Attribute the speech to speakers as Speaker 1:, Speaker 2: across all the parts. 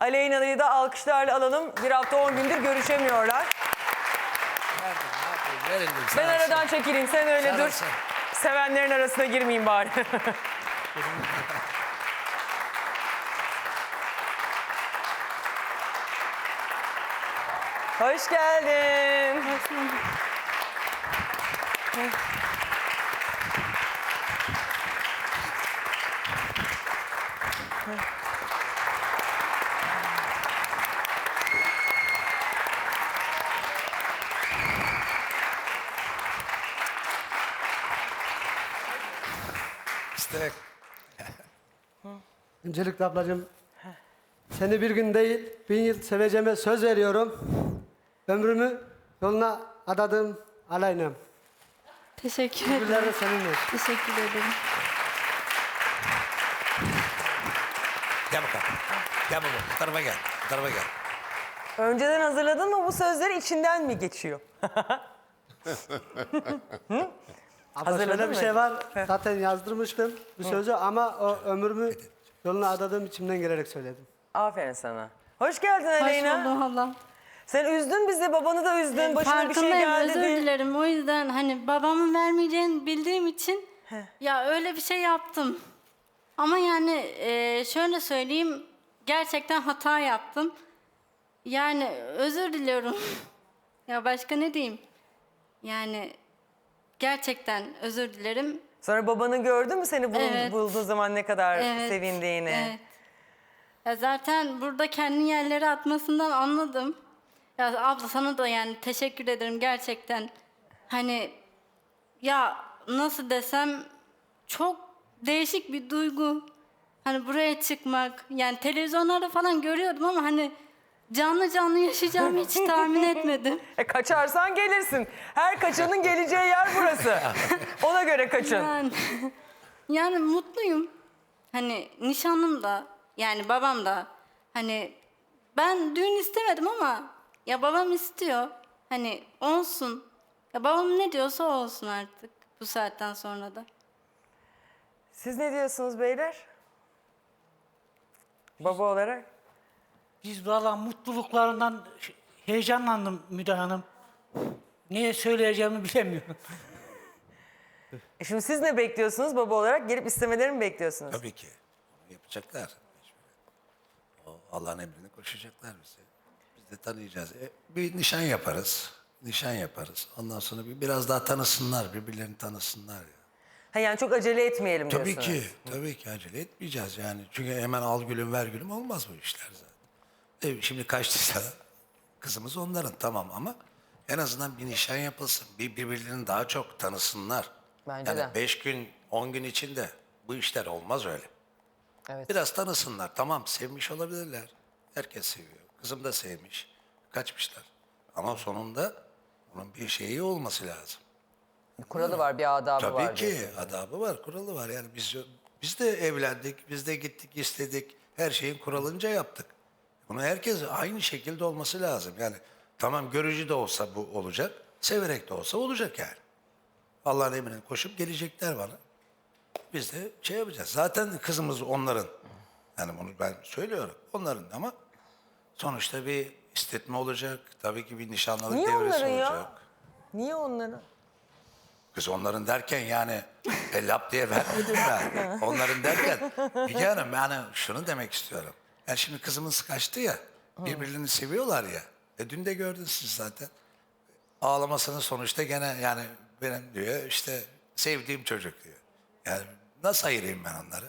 Speaker 1: Aleyna'yı da alkışlarla alalım. Bir hafta 10 gündür görüşemiyorlar. Ben aradan çekileyim, sen öyle dur. Sevenlerin arasına girmeyeyim bari. Hoş geldin.
Speaker 2: Hoş bulduk.
Speaker 3: İşte.
Speaker 4: Öncelikle ablacığım, seni bir gün değil, 1000 yıl seveceğime söz veriyorum. Ömrümü yoluna adadım Aleyna'm.
Speaker 2: Teşekkür
Speaker 4: Güller de
Speaker 2: ederim.
Speaker 4: seninle.
Speaker 2: Teşekkür ederim.
Speaker 3: Gel bakalım. Gel baba. Bu tarafa gel. Bu tarafa gel.
Speaker 1: Önceden hazırladın mı bu sözleri, içinden mi geçiyor?
Speaker 4: Abla
Speaker 1: Hazırladın
Speaker 4: şöyle bir
Speaker 1: mı?
Speaker 4: şey var, zaten yazdırmıştım bu sözü ama o ömrümü yoluna adadığım içimden gelerek söyledim.
Speaker 1: Aferin sana. Hoş geldin
Speaker 2: Hoş
Speaker 1: Aleyna.
Speaker 2: bulduk Allah.
Speaker 1: Sen üzdün bizi, babanı da üzdün. Başına bir şey
Speaker 2: Farkındayım,
Speaker 1: geldi
Speaker 2: özür
Speaker 1: diye.
Speaker 2: dilerim. O yüzden hani babamın vermeyeceğini bildiğim için ya öyle bir şey yaptım. Ama yani şöyle söyleyeyim, gerçekten hata yaptım. Yani özür diliyorum. Ya başka ne diyeyim? Yani gerçekten özür dilerim.
Speaker 1: Sonra babanı gördün mü seni
Speaker 2: Evet.
Speaker 1: bulduğu zaman ne kadar
Speaker 2: Evet,
Speaker 1: sevindiğini?
Speaker 2: Evet. Ya zaten burada kendini yerlere atmasından anladım. Ya abla sana da yani teşekkür ederim gerçekten. Hani ya nasıl desem çok değişik bir duygu. Hani buraya çıkmak yani televizyonlarda falan görüyordum ama hani canlı canlı yaşayacağımı hiç tahmin etmedim.
Speaker 1: Kaçarsan gelirsin. Her kaçanın geleceği yer burası. Ona göre kaçın.
Speaker 2: Yani mutluyum. Hani nişanlım da yani babam da hani ben düğün istemedim ama ya babam istiyor. Hani olsun. Ya babam ne diyorsa olsun artık bu saatten sonra da.
Speaker 1: Siz ne diyorsunuz beyler? Baba olarak.
Speaker 5: Biz valla mutluluklarından heyecanlandım Müge Hanım. Neye söyleyeceğimi bilemiyorum.
Speaker 1: Şimdi siz ne bekliyorsunuz baba olarak? Gelip istemelerini mi bekliyorsunuz?
Speaker 3: Tabii ki. Onu yapacaklar. O Allah'ın emrine koşacaklar bize. Biz de tanıyacağız. Bir nişan yaparız. Nişan yaparız. Ondan sonra biraz daha tanısınlar. Birbirlerini tanısınlar ya.
Speaker 1: Ha, yani çok acele etmeyelim
Speaker 3: Tabii
Speaker 1: diyorsunuz.
Speaker 3: ki. Tabii ki acele etmeyeceğiz yani. Çünkü hemen al gülüm ver gülüm olmaz bu işler zaten. Şimdi kaçtıysa kızımız onların tamam ama en azından bir nişan yapılsın. Birbirlerini daha çok tanısınlar.
Speaker 1: Bence
Speaker 3: yani
Speaker 1: de.
Speaker 3: 5 gün 10 gün içinde bu işler olmaz öyle.
Speaker 1: Evet.
Speaker 3: Biraz tanısınlar. Tamam sevmiş olabilirler. Herkes seviyor. Kızım da sevmiş. Kaçmışlar. Ama sonunda bunun bir şeyi olması lazım.
Speaker 1: Kuralı var, bir adabı var.
Speaker 3: Tabii ki
Speaker 1: diyorsunuz.
Speaker 3: adabı var, kuralı var. Yani biz de evlendik, biz de gittik, istedik. Her şeyin kuralınca yaptık. Bunu herkes aynı şekilde olması lazım. Yani tamam görücü de olsa bu olacak, severek de olsa olacak yani. Allah'ın emrine koşup gelecekler bana. Biz de şey yapacağız. Zaten kızımız onların. Yani bunu ben söylüyorum. Onların ama sonuçta bir istetme olacak. Tabii ki bir nişanlılık
Speaker 1: Niye
Speaker 3: devresi
Speaker 1: onların ya?
Speaker 3: olacak.
Speaker 1: Niye onları?
Speaker 3: Kız onların derken yani lap diye vermedim ben. Onların derken Müge Hanım yani şunu demek istiyorum. Yani şimdi kızımız kaçtı ya, birbirlerini seviyorlar ya. Dün de gördünüz siz zaten. Ağlamasının sonuçta gene yani benim diyor işte sevdiğim çocuk diyor. Yani nasıl ayırayım ben onları?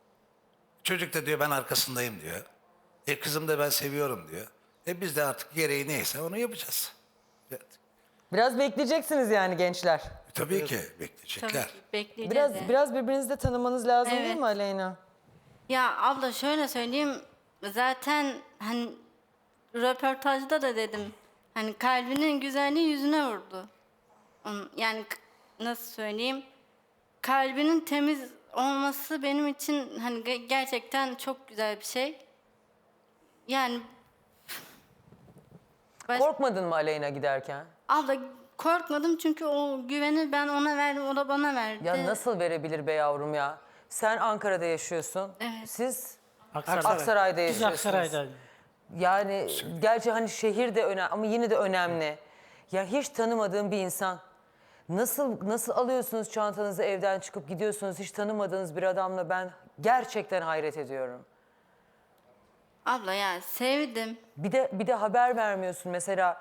Speaker 3: Çocuk da diyor ben arkasındayım diyor. Kızım da ben seviyorum diyor. Biz de artık gereği neyse onu yapacağız. Evet.
Speaker 1: Biraz bekleyeceksiniz yani gençler.
Speaker 3: Tabii ki
Speaker 2: Tabii
Speaker 3: bekleyecekler.
Speaker 2: ki bekleyeceğiz. yani.
Speaker 1: Biraz birbirinizi de tanımanız lazım değil
Speaker 2: Evet.
Speaker 1: mi Aleyna?
Speaker 2: Ya abla şöyle söyleyeyim. Zaten hani röportajda da dedim. Hani kalbinin güzelliği yüzüne vurdu. Yani nasıl söyleyeyim? Kalbinin temiz olması benim için hani gerçekten çok güzel bir şey. Yani
Speaker 1: Korkmadın mı Aleyna giderken?
Speaker 2: abla korkmadım çünkü o güveni ben ona verdim, o da bana verdi.
Speaker 1: Ya nasıl verebilir be yavrum ya? Sen Ankara'da yaşıyorsun.
Speaker 2: Evet.
Speaker 1: Siz
Speaker 5: Aksaray.
Speaker 1: Aksaray'da
Speaker 5: Biz
Speaker 1: yaşıyorsunuz.
Speaker 5: Aksaray'da.
Speaker 1: Yani gerçi hani şehir de önemli ama yine de önemli. Ya hiç tanımadığım bir insan. Nasıl alıyorsunuz çantanızı evden çıkıp gidiyorsunuz hiç tanımadığınız bir adamla, ben gerçekten hayret ediyorum.
Speaker 2: Abla ya sevdim.
Speaker 1: Bir de haber vermiyorsun mesela.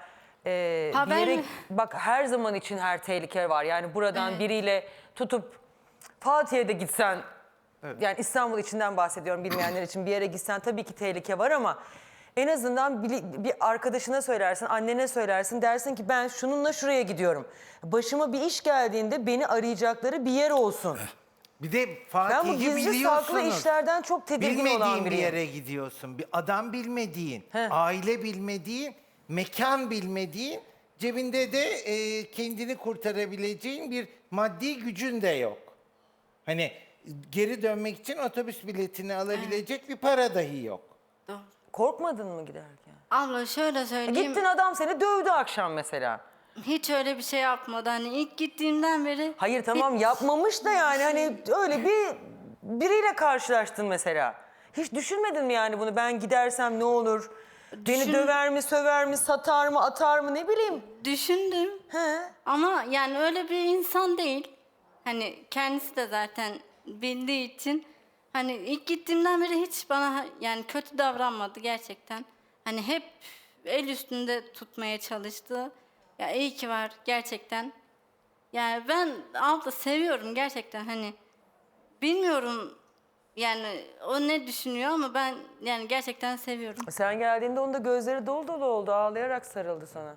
Speaker 1: Bir
Speaker 2: Haber
Speaker 1: yere,
Speaker 2: mi?
Speaker 1: bak her zaman için her tehlike var. Yani buradan biriyle tutup Fatih'e de gitsen, yani İstanbul içinden bahsediyorum bilmeyenler için, bir yere gitsen tabii ki tehlike var ama en azından bir arkadaşına söylersin, annene söylersin, dersin ki ben şununla şuraya gidiyorum. Başıma bir iş geldiğinde beni arayacakları bir yer olsun.
Speaker 6: Bir de
Speaker 1: Ben bu
Speaker 6: Fatih'i
Speaker 1: gizli saklı
Speaker 6: biliyorsunuz.
Speaker 1: işlerden çok tedirgin olan
Speaker 6: Bilmediğin bir
Speaker 1: biriyim.
Speaker 6: yere gidiyorsun. Bir adam bilmediğin,
Speaker 1: He.
Speaker 6: aile bilmediğin, mekan bilmediğin, cebinde de kendini kurtarabileceğin bir maddi gücün de yok. Hani geri dönmek için otobüs biletini alabilecek bir para dahi yok.
Speaker 2: Doğru.
Speaker 1: Korkmadın mı giderken?
Speaker 2: Abla şöyle söyleyeyim.
Speaker 1: Gittin, adam seni dövdü akşam mesela.
Speaker 2: Hiç öyle bir şey yapmadı. Hani ilk gittiğimden beri...
Speaker 1: Hayır tamam yapmamış da yani hani öyle biriyle karşılaştın mesela. Hiç düşünmedin mi yani bunu, ben gidersem ne olur? Beni döver mi, söver mi, satar mı, atar mı, ne bileyim.
Speaker 2: Düşündüm.
Speaker 1: He.
Speaker 2: Ama yani öyle bir insan değil. Hani kendisi de zaten bildiği için hani ilk gittiğimden beri hiç bana yani kötü davranmadı gerçekten. Hani hep el üstünde tutmaya çalıştı. Ya iyi ki var gerçekten. Yani ben abla seviyorum gerçekten, hani bilmiyorum yani o ne düşünüyor ama ben yani gerçekten seviyorum.
Speaker 1: Sen geldiğinde onun da gözleri dolu dolu oldu, ağlayarak sarıldı sana.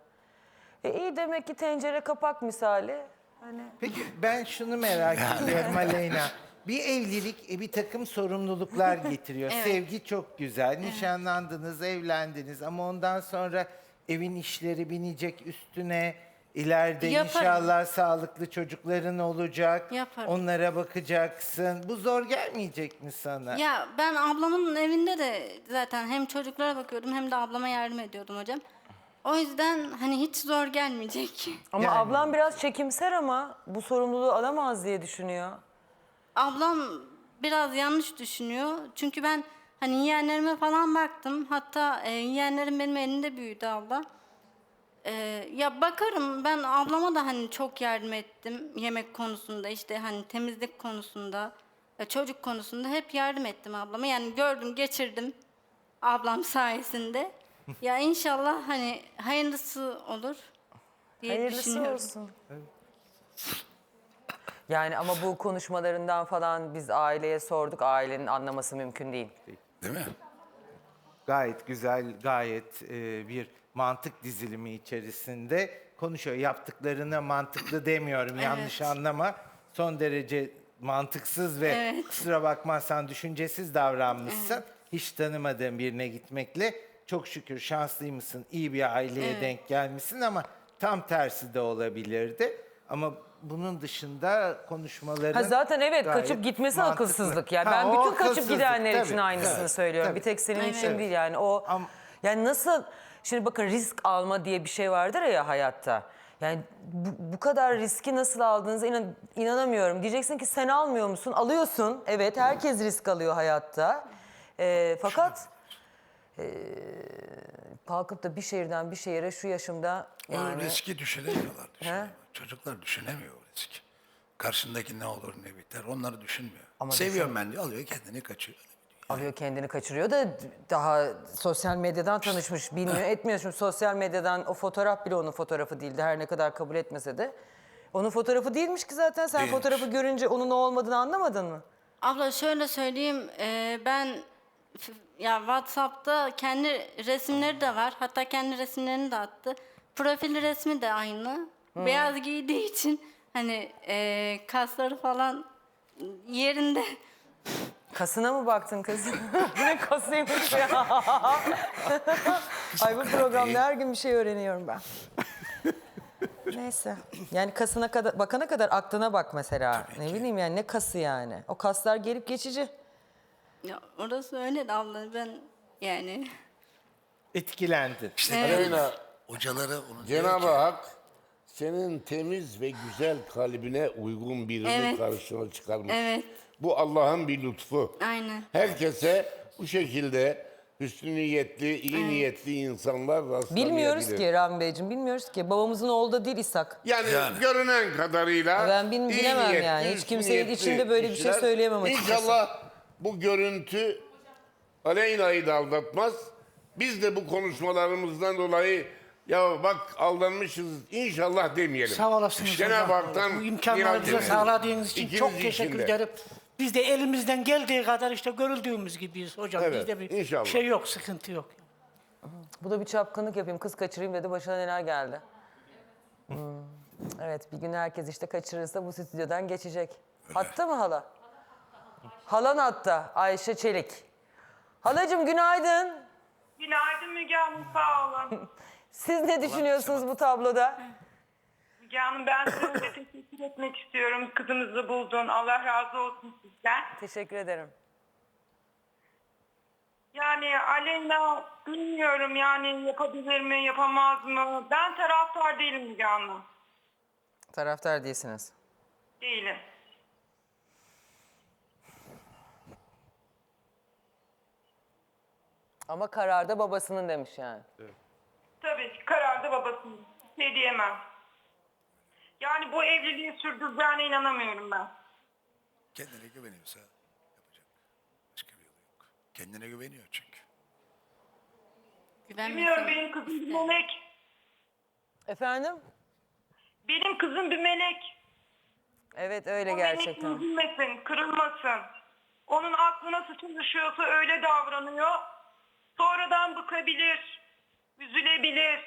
Speaker 1: İyi demek ki tencere kapak misali. Hani
Speaker 6: Peki ben şunu merak ediyorum Aleyna. Bir evlilik bir takım sorumluluklar getiriyor.
Speaker 2: Evet.
Speaker 6: Sevgi çok güzel. Nişanlandınız, evlendiniz ama ondan sonra evin işleri binecek üstüne. İleride
Speaker 2: Yaparım.
Speaker 6: inşallah sağlıklı çocukların olacak.
Speaker 2: Yaparım.
Speaker 6: Onlara bakacaksın. Bu zor gelmeyecek mi sana?
Speaker 2: Ya ben ablamın evinde de zaten hem çocuklara bakıyordum hem de ablama yardım ediyordum hocam. O yüzden hani hiç zor gelmeyecek.
Speaker 1: ama
Speaker 6: Yani-
Speaker 1: ablam biraz çekimser ama bu sorumluluğu alamaz diye düşünüyor.
Speaker 2: Ablam biraz yanlış düşünüyor. Çünkü ben hani yeğenlerime falan baktım. Hatta yeğenlerim benim elimde büyüdü abla. Ya bakarım, ben ablama da hani çok yardım ettim. Yemek konusunda, işte hani temizlik konusunda, çocuk konusunda hep yardım ettim ablama. Yani gördüm, geçirdim ablam sayesinde. Ya inşallah hani hayırlısı olur diye
Speaker 1: Hayırlısı
Speaker 2: düşünüyorum.
Speaker 1: olsun. Yani ama bu konuşmalarından falan biz aileye sorduk. Ailenin anlaması mümkün değil.
Speaker 3: Değil mi?
Speaker 6: Gayet güzel, gayet bir mantık dizilimi içerisinde konuşuyor. Yaptıklarına mantıklı demiyorum, yanlış anlama. Son derece mantıksız ve kusura bakmazsan düşüncesiz davranmışsın. Hiç tanımadığın birine gitmekle çok şükür şanslıymışsın, iyi bir aileye denk gelmişsin ama tam tersi de olabilirdi. Ama bunun dışında konuşmaların
Speaker 1: Ha zaten evet,
Speaker 6: gayet
Speaker 1: kaçıp gitmesi
Speaker 6: mantıklı.
Speaker 1: akılsızlık. Yani
Speaker 6: Ha,
Speaker 1: ben
Speaker 6: o
Speaker 1: bütün kaçıp
Speaker 6: akılsızlık,
Speaker 1: gidenler için
Speaker 6: tabii,
Speaker 1: aynısını
Speaker 6: tabii,
Speaker 1: söylüyorum.
Speaker 6: tabii.
Speaker 1: Bir tek senin için
Speaker 2: Evet.
Speaker 1: değil yani. O yani nasıl, şimdi bakın risk alma diye bir şey vardır ya hayatta. Yani bu kadar riski nasıl aldığınıza inanamıyorum. Diyeceksin ki sen almıyor musun? Alıyorsun. Evet, herkes risk alıyor hayatta. Fakat kalkıp da bir şehirden bir şehire şu yaşımda
Speaker 3: O
Speaker 1: yani
Speaker 3: riski düşünemiyorlar. Çocuklar düşünemiyor o riski. Karşındaki ne olur ne biter onları düşünmüyor.
Speaker 1: Ama
Speaker 3: Seviyorum ben diyor, alıyor kendini kaçıyor.
Speaker 1: alıyor kendini kaçırıyor da daha sosyal medyadan tanışmış, bilmiyor etmiyor. Şimdi sosyal medyadan o fotoğraf bile onun fotoğrafı değildi, her ne kadar kabul etmese de. Onun fotoğrafı değilmiş ki zaten, sen
Speaker 3: Değilmiş.
Speaker 1: fotoğrafı görünce onun o olmadığını anlamadın mı?
Speaker 2: Abla şöyle söyleyeyim, ben ya WhatsApp'ta kendi resimleri de var. Hatta kendi resimlerini de attı. Profil resmi de aynı. Beyaz giydiği için hani kasları falan yerinde.
Speaker 1: Kasına mı baktın kızım? Bu ne kasıymış ya? Ay bu programda her gün bir şey öğreniyorum ben. Neyse. Yani kasına kadar, bakana kadar aklına bak mesela. Ne bileyim yani, ne kası yani? O kaslar gelip geçici.
Speaker 2: Ya orası öyle de abla, ben yani.
Speaker 6: Etkilendin.
Speaker 3: İşte
Speaker 7: Aleyna,
Speaker 3: hocaları onu
Speaker 7: Cenab-ı
Speaker 3: diyor ki,
Speaker 7: Hak senin temiz ve güzel kalbine uygun birini
Speaker 2: Evet.
Speaker 7: karşına çıkarmış.
Speaker 2: Evet.
Speaker 7: Bu Allah'ın bir lütfu.
Speaker 2: Aynen.
Speaker 7: Herkese bu şekilde hüsnü niyetli, iyi niyetli insanlar rastlamayabilir.
Speaker 1: Bilmiyoruz ki Rami Beyciğim, bilmiyoruz ki. Babamızın oğlu da değil İshak.
Speaker 7: Yani, görünen kadarıyla
Speaker 1: Ben
Speaker 7: iyi
Speaker 1: bilemem
Speaker 7: niyetli,
Speaker 1: yani. Hiç
Speaker 7: hüsnü
Speaker 1: kimsenin
Speaker 7: niyetli
Speaker 1: içinde böyle bir şey
Speaker 7: kişiler.
Speaker 1: söyleyemem açıkçası.
Speaker 7: İnşallah bu görüntü Aleyna'yı da aldatmaz. Biz de bu konuşmalarımızdan dolayı ya bak aldanmışız inşallah demeyelim.
Speaker 5: Sağ olasınız
Speaker 7: Cenab-ı
Speaker 5: hocam.
Speaker 7: Hak'tan
Speaker 5: Bu imkanları
Speaker 7: niyaz
Speaker 5: bize
Speaker 7: edelim.
Speaker 5: sağladığınız için çok
Speaker 7: İkiniz
Speaker 5: teşekkür
Speaker 7: için de.
Speaker 5: ederim. Biz de elimizden geldiği kadar işte görüldüğümüz gibiyiz hocam.
Speaker 7: Evet,
Speaker 5: Bizde bir
Speaker 7: inşallah.
Speaker 5: şey yok, sıkıntı yok.
Speaker 1: Bu da bir çapkınlık yapayım, kız kaçırayım dedi, başına neler geldi. Evet, bir gün herkes işte kaçırırsa bu stüdyodan geçecek. Hatta mı hala? Halan hatta, Ayşe Çelik. Halacığım günaydın.
Speaker 8: Günaydın Müge Hanım, sağ olun.
Speaker 1: Siz ne düşünüyorsunuz bu tabloda?
Speaker 8: Müge Hanım, ben size teşekkür etmek istiyorum. Kızınızı buldun. Allah razı olsun sizden.
Speaker 1: Teşekkür ederim.
Speaker 8: Yani Aleyna bilmiyorum yani yapabilir mi, yapamaz mı? Ben taraftar değilim Müge Hanım.
Speaker 1: Taraftar değilsiniz.
Speaker 8: Değilim.
Speaker 1: Ama kararda babasının demiş yani.
Speaker 8: Tabii ki kararda babasının. Bir şey diyemem. Yani bu evliliği sürdüreceğine inanamıyorum ben.
Speaker 3: Kendine güveniyorsa yapacak. Başka bir yolu yok. Kendine güveniyor çünkü.
Speaker 8: Bilmiyorum, benim kızım bir melek.
Speaker 1: Efendim?
Speaker 8: Benim kızım bir melek.
Speaker 1: Evet öyle
Speaker 8: O
Speaker 1: gerçekten.
Speaker 8: melek üzülmesin, kırılmasın. Onun aklı nasıl çalışıyorsa öyle davranıyor. Sonradan bıkabilir, üzülebilir.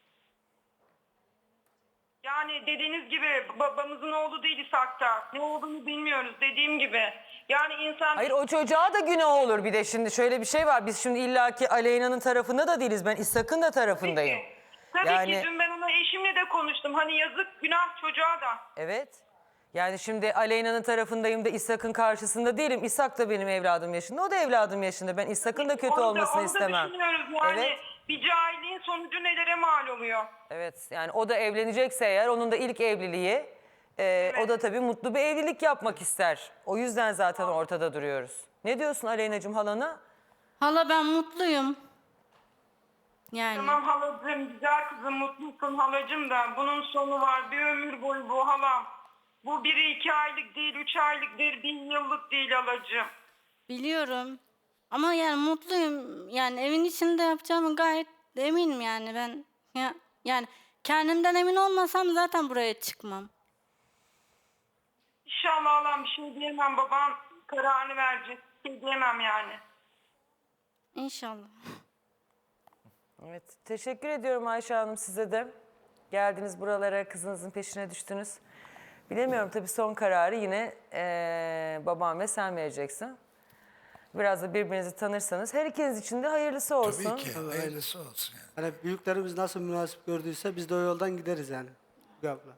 Speaker 8: Yani dediğiniz gibi babamızın oğlu değil İshak'ta. Ne olduğunu bilmiyoruz dediğim gibi. Yani insan...
Speaker 1: Hayır o çocuğa da günah olur bir de şimdi şöyle bir şey var. Biz şimdi illaki Aleyna'nın tarafında da değiliz. Ben İshak'ın da tarafındayım.
Speaker 8: Tabii
Speaker 1: Yani-
Speaker 8: ki dün ben ona eşimle de konuştum. Hani yazık günah çocuğa da.
Speaker 1: Evet. Yani şimdi Aleyna'nın tarafındayım da İshak'ın karşısında değilim. İshak da benim evladım yaşında. O da evladım yaşında. Ben İshak'ın da kötü
Speaker 8: Onu da-
Speaker 1: olmasını
Speaker 8: onu da
Speaker 1: istemem.
Speaker 8: düşünüyoruz yani.
Speaker 1: Evet.
Speaker 8: Bir cahilliğin sonucu nelere mal oluyor.
Speaker 1: Evet yani o da evlenecekse eğer onun da ilk evliliği o da tabii mutlu bir evlilik yapmak ister. O yüzden zaten ortada duruyoruz. Ne diyorsun Aleyna'cığım halana?
Speaker 2: Hala ben mutluyum. Yani
Speaker 8: Tamam halacığım, güzel kızım, mutlusun halacığım da bunun sonu var. Bir ömür boyu bu halam. Bu 1-2 aylık değil, 3 aylık değil, 1 yıllık değil halacığım.
Speaker 2: biliyorum. Ama yani mutluyum. Yani evin içinde yapacağımı gayet eminim yani ben. Yani kendimden emin olmasam zaten buraya çıkmam.
Speaker 8: İnşallah halam, bir şey diyemem, babam kararını verecek. Bir şey diyemem yani.
Speaker 2: İnşallah.
Speaker 1: Evet teşekkür ediyorum Ayşe Hanım size de. Geldiniz buralara kızınızın peşine düştünüz. Bilemiyorum tabii son kararı yine babam ve sen vereceksin. Biraz da birbirinizi tanırsanız her ikiniz için de hayırlısı olsun.
Speaker 3: Tabii ki. Hayırlısı olsun yani.
Speaker 4: Hani büyüklerimiz nasıl münasip gördüyse biz de o yoldan gideriz yani. Müge abla.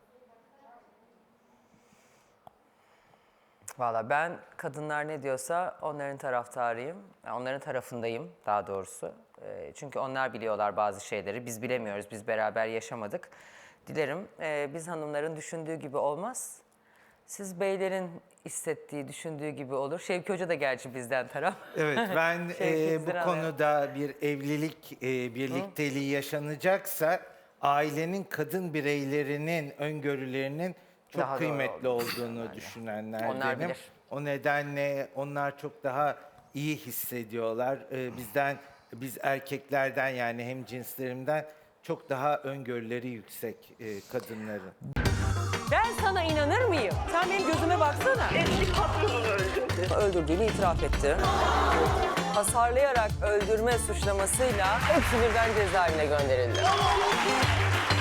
Speaker 1: Valla ben kadınlar ne diyorsa onların taraftarıyım. Yani onların tarafındayım daha doğrusu. Çünkü onlar biliyorlar bazı şeyleri. Biz bilemiyoruz. Biz beraber yaşamadık. Dilerim biz hanımların düşündüğü gibi olmaz. Siz beylerin hissettiği, düşündüğü gibi olur. Şevki Hoca da gerçi bizden taraf.
Speaker 6: Evet, ben
Speaker 1: Şevki
Speaker 6: bu
Speaker 1: Ziraat.
Speaker 6: konuda bir evlilik birlikteliği yaşanacaksa ailenin kadın bireylerinin öngörülerinin çok
Speaker 1: Daha doğru
Speaker 6: kıymetli
Speaker 1: olduğunu
Speaker 6: olduğunu düşünenlerdenim.
Speaker 1: Onlar bilir.
Speaker 6: O nedenle onlar çok daha iyi hissediyorlar. Biz erkeklerden yani hem cinslerimden çok daha öngörüleri yüksek kadınların.
Speaker 1: Ben sana inanır mıyım? Sen benim gözüme baksana.
Speaker 8: Eski patronunu öldürdü.
Speaker 1: Öldürdüğünü itiraf etti. Hasarlayarak öldürme suçlamasıyla hepsi birden cezaevine gönderildi.